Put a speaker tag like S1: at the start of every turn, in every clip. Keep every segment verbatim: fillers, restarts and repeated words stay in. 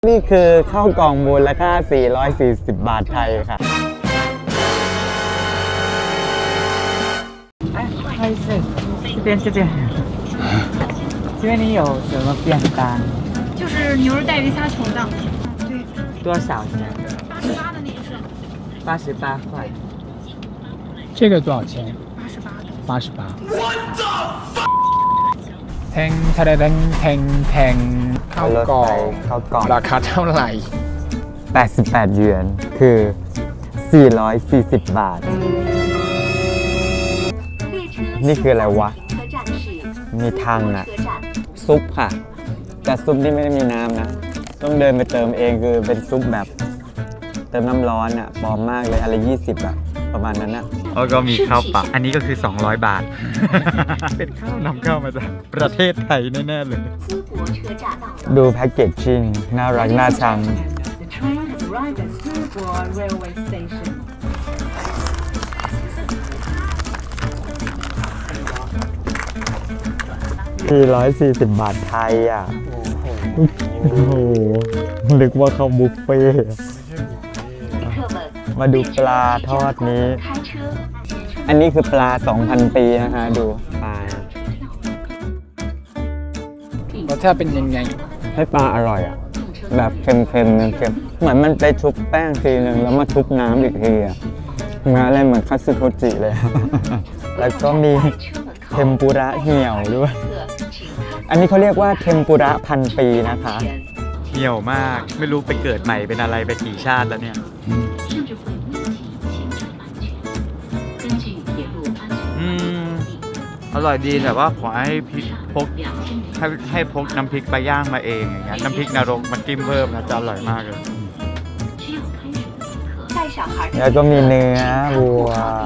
S1: นี่คือข้าวกล่องมูลค่าสี่ร้อยสี่สิบบาทไทยค่ะ
S2: 哎，不好意思，这边这边，这边你有什么便当？
S3: 就是牛肉带鱼虾球的，对，
S2: 多少钱？
S3: 八十八的那个是
S2: 八十八块。
S4: 这个多少钱？
S3: 八十八的。
S4: 八十八。แทงทะเลแทงแทงแทงข้าวกล่อง
S1: ข้าวกล่อง
S4: ราคาเท่าไหร่
S1: แปดสิบแปดหยวนคือสี่ร้อยสี่สิบบาท นี่คืออะไรวะ มีทางอะซุปค่ะ แต่ซุปนี่ไม่ได้มีน้ำนะ ต้องเดินไปเติมเองคือเป็นซุปแบบเติมน้ำร้อนอะปลอมมากเลยอะไรยี่สิบอะประมาณนั้นอะแล้วก็มีข้าวปะอันนี้ก็คือสองร้อยบาท เป็นข้าวนำเข้ามาจากประเทศไทยแน่ๆเลย ดูแพ็กเกจจิ้งน่ารักน่าชัง
S5: The train has arrived at Subo Railway Station.
S1: สี่ร้อยสี่สิบบาทไทยอ่ะ โอ้โหนึกว่าเขาบุฟเฟ่ต์มาดูปลาทอดนี้ อันนี้คือปลา สองพัน ปีนะฮะดูปลาร
S4: สชาติเป็นยังไง
S1: ให้ปลาอร่อยอ่ะ แบบเค็มๆเค็มๆเหมือนมันไปชุบแป้งทีนึงแล้วมาชุบน้ำอีกทีอ่ะงานอะไรเหมือนคัตสึโทจิเลย แล้วก็มีเทมปุระเหี่ยวด้วย อันนี้เขาเรียกว่าเทมปุระพันปีนะคะเหี่ยวมากไม่รู้ไปเกิดใหม่เป็นอะไรไปกี่ชาติแล้วเนี่ยอืมอร่อยดีแต่ว่าขอให้พริกพกให้ให้พกน้ำพริกปลาย่างมาเองอย่างเงี้ยน้ำพริกนรกมันจิ้มเพิ่มนะจะอร่อยมากเลยแล้วก็มีเนื้อวัว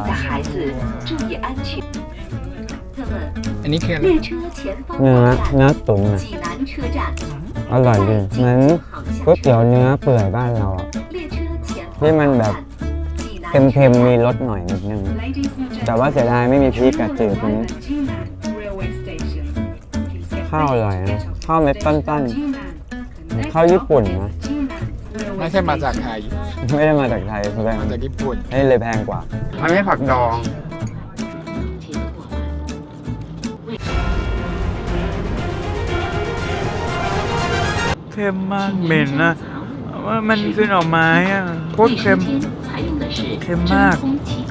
S4: อันนี้คืออะไร
S1: เนื้อเนื้อตุ๋นอ่ะอร่อยดีเหมือนก๋วยเตี๋ยวเนื้อเปื่อยบ้านเราอ่ะที่มันแบบเค็มๆมีรสหน่อยนิดนึงแต่ว่าเสียดายไม่มีพริกกระจืดนี้ข้าวอร่อยนะข้าวเม็ดตั้นๆข้าวญี่ปุ่นนะ
S4: ไม่ใช่มาจากไทย
S1: ไม่ได้มาจากไทยแสดง
S4: มาจากญี่ปุ่น
S1: นี่เลยแพงกว่ามันไม่ผักดองเค็มมากเหม็นนะว่ามันคือหน่อไม้อ่ะโคตรเค็มเค็มมาก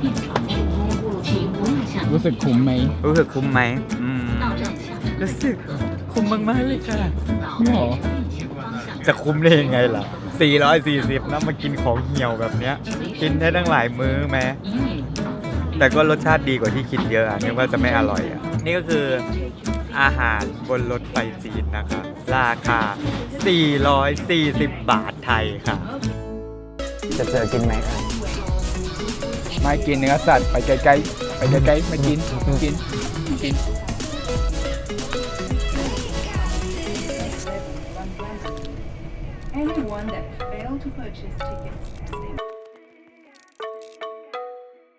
S4: รู้สึกคุ้มไหม
S1: รู้สึกคุ้มไหมอืมรู้สึกคุ้มมากๆเลยค่ะ
S4: ไม่หรอ
S1: จะคุ้มได้ยังไงล่ะสี่ร้อยสี่สิบนะมากินของเหี่ยวแบบเนี้ยกินได้ตั้งหลายมื้อแม้แต่ก็รสชาติดีกว่าที่คิดเยอะอ่ะนึกว่าจะไม่อร่อยอ่ะนี่ก็คืออาหารบนรถไฟจีนนะคะราคาสี่ร้อยสี่สิบบาทไทยค่ะจะเจอกินไหมคะ
S4: ไม่กินเนื้อสัตว์ไปไกลๆไปไกลๆไม่กินกินกิน
S5: Anyone that failed to purchase tickets